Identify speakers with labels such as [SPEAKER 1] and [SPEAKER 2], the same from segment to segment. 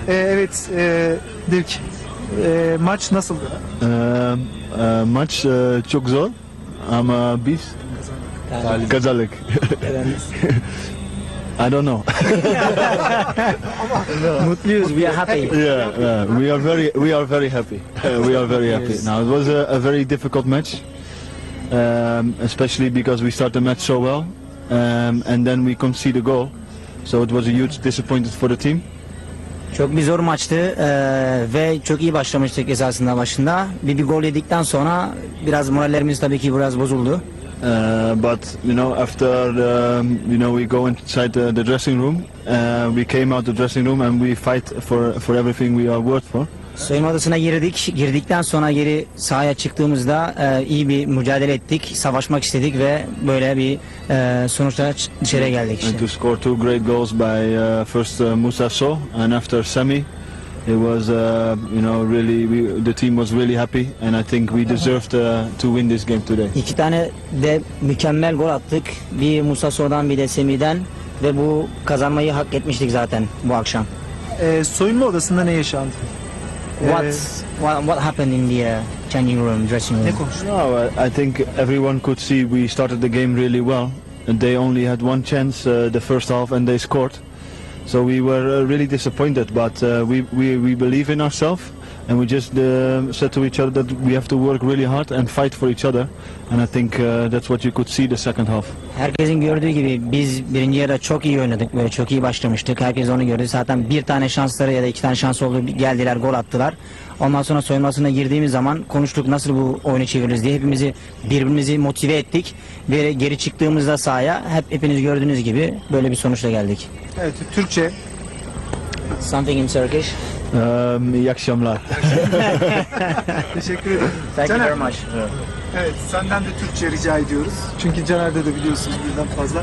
[SPEAKER 1] Evet, Dirk. Maç nasıldı?
[SPEAKER 2] Maç çok zor ama biz kazandık. I don't know.
[SPEAKER 3] Mutluyuz, we are happy.
[SPEAKER 2] Yeah, we are very happy. We are very happy. Now it was a very difficult match, especially because we started the match so well, and then we conceded a goal. So it was a huge disappointment for the team.
[SPEAKER 3] Çok bir zor maçtı ve çok iyi başlamıştık esasında başında. Bir gol yedikten sonra biraz morallerimiz tabii ki biraz bozuldu.
[SPEAKER 2] But you know, after you know, we go inside the dressing room. We came out the dressing room and we fight for everything we are worth for.
[SPEAKER 3] Soyunma odasına girdik. Girdikten sonra geri sahaya çıktığımızda iyi bir mücadele ettik. Savaşmak istedik ve böyle bir sonuçta dışarıya geldik işte.
[SPEAKER 2] And to score two great goals by first Moussa Sow and after Sami, it was you know, really the team was really happy and I think we deserved to win this game today.
[SPEAKER 3] İki tane de mükemmel gol attık. Bir Moussa Sow'dan bir de Sami'den ve bu kazanmayı hak etmiştik zaten bu akşam.
[SPEAKER 1] Soyunma odasında ne yaşandı?
[SPEAKER 3] What happened in the changing room, dressing room?
[SPEAKER 1] Ne konuştun?
[SPEAKER 2] No, I think everyone could see we started the game really well. And they only had one chance the first half and they scored. So we were really disappointed, but we believe in ourselves and we just said to each other that we have to work really hard and fight for each other. And I think that's what you could see the second half.
[SPEAKER 3] Herkesin gördüğü gibi biz birinci yarıda çok iyi oynadık, böyle çok iyi başlamıştık. Herkes onu gördü. Zaten bir tane şansları ya da iki tane şans oldu, geldiler, gol attılar. Ondan sonra soyunmasına girdiğimiz zaman konuştuk nasıl bu oyunu çeviririz diye. Birbirimizi motive ettik ve geri çıktığımızda sahaya hepiniz gördüğünüz gibi böyle bir sonuçla geldik.
[SPEAKER 1] Evet, Türkçe.
[SPEAKER 3] Something in Turkish.
[SPEAKER 2] İyi akşamlar.
[SPEAKER 1] Teşekkür ederim.
[SPEAKER 3] Thank you
[SPEAKER 1] Caner,
[SPEAKER 3] very much.
[SPEAKER 1] evet, senden de Türkçe rica ediyoruz. Çünkü Caner'de de biliyorsunuz birden fazla.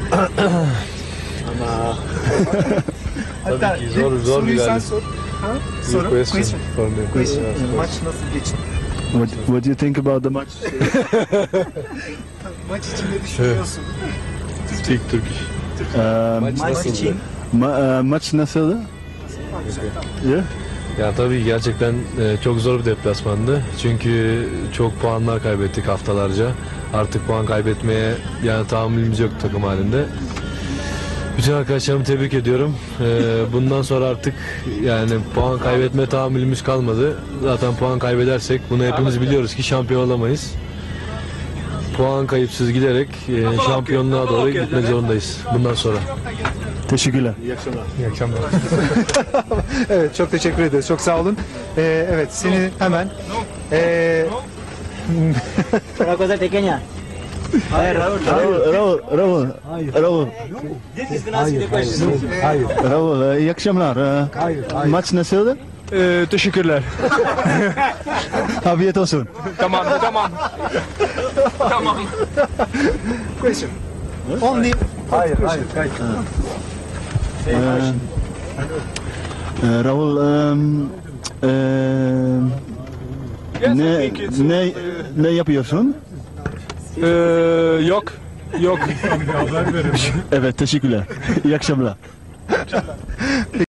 [SPEAKER 1] Hatta
[SPEAKER 4] Tabii ki zor
[SPEAKER 1] soruyu
[SPEAKER 4] bir
[SPEAKER 1] sen
[SPEAKER 4] galibiyet.
[SPEAKER 1] sor. Ha? Soru.
[SPEAKER 4] Question.
[SPEAKER 1] Question. Maç nasıl geçti?
[SPEAKER 2] What do you think about the match?
[SPEAKER 1] Maç için ne düşünüyorsun?
[SPEAKER 4] Speak Turkish. Maç
[SPEAKER 3] Maç
[SPEAKER 4] nasıldı?
[SPEAKER 3] için
[SPEAKER 2] Maç nasıldı? Yeah.
[SPEAKER 4] Ya tabii gerçekten çok zor bir deplasmandı. Çünkü çok puanlar kaybettik haftalarca. Artık puan kaybetmeye yani tahammülümüz yok takım halinde. Bütün arkadaşlarımı tebrik ediyorum. Bundan sonra artık yani puan kaybetme tahammülümüz kalmadı. Zaten puan kaybedersek bunu hepimiz biliyoruz ki şampiyon olamayız. Puan kayıpsız giderek şampiyonluğa doğru gitmek zorundayız bundan sonra.
[SPEAKER 2] Teşekkürler.
[SPEAKER 4] İyi akşamlar.
[SPEAKER 1] Evet, çok teşekkür ederiz. Çok sağ olun. Evet, seni hemen
[SPEAKER 3] una cosa pequeña. Hayır.
[SPEAKER 2] Raul. Raul, iyi akşamlar. Maç nasıldı?
[SPEAKER 5] Teşekkürler.
[SPEAKER 2] Afiyet olsun.
[SPEAKER 5] Tamam.
[SPEAKER 1] question. Only hayır.
[SPEAKER 2] Raul, ne yapıyorsun?
[SPEAKER 5] Yok.
[SPEAKER 2] Evet, teşekkürler. İyi akşamlar.